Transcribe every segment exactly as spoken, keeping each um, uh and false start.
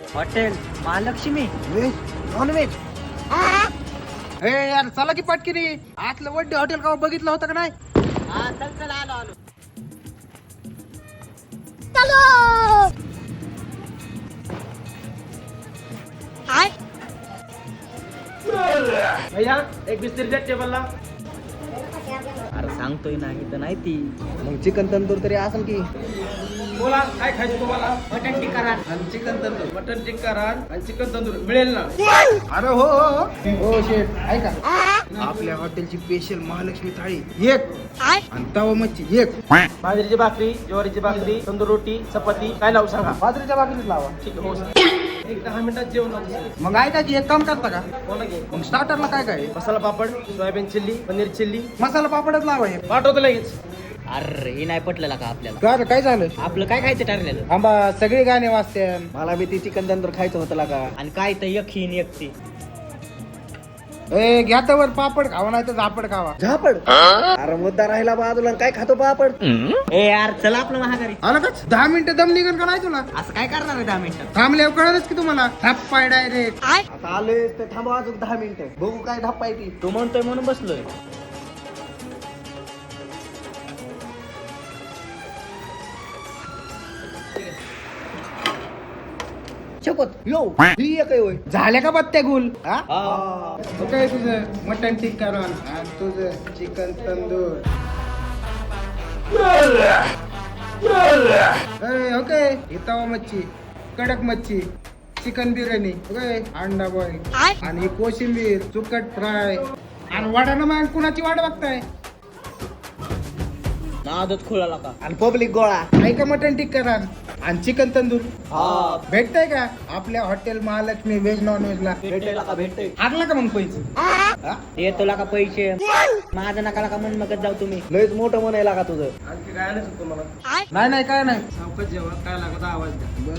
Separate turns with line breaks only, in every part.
Hotel Mahalakshmi
veg non veg हे यार चला की पाटकिरी आतलं वड्डे हॉटेल का बघितलं होतं का नाही?
हा चल चल आलो आलो
भैया एक बिस्तर द्या टेबलला.
अरे सांगतोय नाही तर नाही ती
मग चिकन तंदूर तरी असेल की.
बोला काय खायचं तुम्हाला?
मटन टिक्का रान.
आणि चिकन तंदूर.
मटन टिक्का रान आणि चिकन तंदूर मिळेल ना?
अरे हो हो हो हो शेफ ऐका आपल्या हॉटेलची स्पेशल महालक्ष्मी थाळी एक आणि तवा मच्छी एक.
बाजरीची भाकरी, ज्वारीची भाकरी, तंदूर रोटी, चपाती काय लावू सांगा?
बाजरीच्या भाकरीच लावा.
ठीक आहे, हो सर. एक दहा मिनिटात जेवण लावतो सर.
मग ऐका की एक काम करता का?
बोला की.
मग स्टार्टरला काय काय आहे?
Masala papad, soybean chilli, paneer chilli
masala पापडच लावा हे.
पाठवतो लगेच.
अरे हे नाही पटलेला का आपल्याला?
का रे, काय झालं?
आपलं काय खायचं ठरलेलं
आंबा सगळे गाणे वाजते. मला बी ती चिकन तंदूर खायचं होतं का.
आणि काय तर एक ही आणि एक ती.
ए घ्या तर पापड खावा नाही तर झापड खावा. झापड अरे मुद्दा राहिला बाजूला काय खातो पापड.
ए यार चला आपलं महागारी.
आलं का दहा मिनिटं दम निघन का नाही तुला?
असं काय करणार आहे दहा मिनिटात?
थांबल्यावर कळलंच की तुम्हाला धप्पाय डायरेक्ट.
आता आलोय तर थांबा अजून दहा मिनिटं.
बघू काय धप्पाय ती.
तू म्हणतोय म्हणून बसलोय.
शपथ यो ही एक आहे होय. झाल्या का बत्त्या गुल हा?
हा.
काय तुझं मटन टिक्का रान आणि तुझं चिकन तंदूर. ओके इतावा मच्छी, कडक मच्छी, चिकन बिर्याणी, ओके अंडा बॉईल आणि कोशिंबीर, सुकट फ्राय आणि वडानं मग कुणाची वाट बघताय?
नादच खुळाला का?
आणि पब्लिक गोळा ऐका मटन टिक्का रान आणि चिकन तंदूर
हा
भेटतंय का आपल्या hotel Mahalakshmi veg non veg ला?
भेटेल का भेटेल?
हारला का मग पैसे? हा?
येतो का पैसे? माझं नका का मन मगत जाऊ तुम्ही.
लयच मोठं म्हणायला का तुझं?
आणखी काय आणायचं तुम्हाला?
नाही नाही काय नाही.
सावकाश जेव्हा काय लागत आवाज द्या.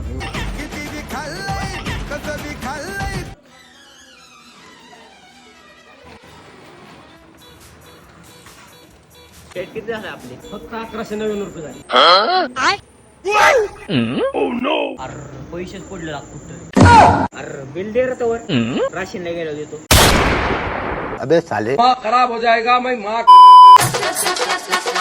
पेट किती झालं आपले?
फक्त अकराशे नव्याण्णव रुपये झाले.
अरे पैसेच पडले कुठं. अरे बिल दे रे तवर राशीनला गेलो देतो.
खराब हो जाएगा मैं माँ